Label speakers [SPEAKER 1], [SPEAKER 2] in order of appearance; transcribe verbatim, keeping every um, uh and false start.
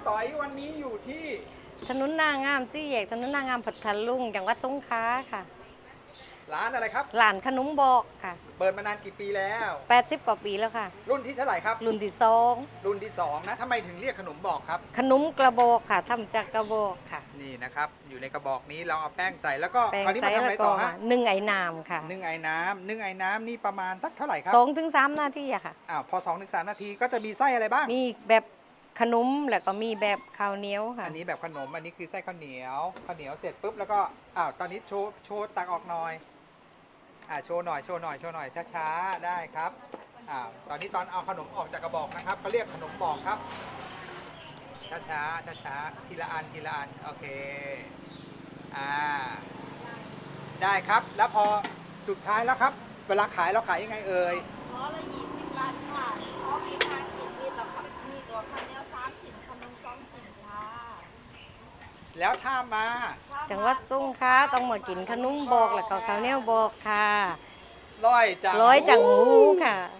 [SPEAKER 1] ต่อยวันนี้อยู่ที่
[SPEAKER 2] ถนนนางามสี่แยกถนนนางามพัทลุงจังหวัดสงขลาค่ะ
[SPEAKER 1] ร้านอะไรครับ
[SPEAKER 2] ร้านขนมบอกค่ะ
[SPEAKER 1] เปิดมานานกี่ปีแล้ว
[SPEAKER 2] แปดสิบกว่าปีแล้วค่ะ
[SPEAKER 1] รุ่นที่เท่าไหร่ครับ
[SPEAKER 2] รุ่นที่สอง
[SPEAKER 1] รุ่นที่สองนะทำไมถึงเรียกขนมบอกครับ
[SPEAKER 2] ขนมกระบอกค่ะทำจากกระบอกค่ะ
[SPEAKER 1] นี่นะครับอยู่ในกระบอกนี้เราเอาแป้งใส่แล้วก็
[SPEAKER 2] แป้ง
[SPEAKER 1] คราวนี้
[SPEAKER 2] ใส่
[SPEAKER 1] มาทำอะไร
[SPEAKER 2] แล้วก็
[SPEAKER 1] ต่อฮะ
[SPEAKER 2] นึ่งไอ้น้ำค่ะ
[SPEAKER 1] นึ่งไอ้น้ำนึ่งไอ้น้ำนี่ประมาณสักเท่าไหร่ครับ
[SPEAKER 2] สองถึงสามนาทีอะค่ะ
[SPEAKER 1] อ้าวพอสองถึงสามนาทีก็จะมีไส้อะไรบ้าง
[SPEAKER 2] มีแบบขนมแล้วก็มีแบบข้าวเหนียวค่ะ
[SPEAKER 1] อันนี้แบบขนมอันนี้คือไส้ข้าวเหนียวข้าวเหนียวเสร็จปุ๊บแล้วก็อ้าวตอนนี้โชว์โชว์ตักออกหน่อยอ่าโชว์หน่อยโชว์หน่อยโชว์หน่อยช้าๆได้ครับอ่าตอนนี้ตอนเอาขนมออกจากกระบอกนะครับเขาเรียกขนมบอกครับช้าช้าช้าช้าๆทีละอันทีละอันโอเคอ่าได้ครับแล้วพอสุดท้ายแล้วครับเวลาขายเราขายยังไงเอ่ย
[SPEAKER 3] ร้อยละยี่สิบบาทค่ะเพราะมีทางสิบวิตแล้วก็มีตัวข้าวเหนียวสามชิ้นขนมสองชิ้นค่ะ
[SPEAKER 1] แล้วถ้ามา
[SPEAKER 2] จังหวัดสงขลาต้องมากินขนมบอกแล้วก็ข้าวเหนียวบอกค่ะ
[SPEAKER 1] ร้อยจัง
[SPEAKER 2] ร้อยจังหูค่ะ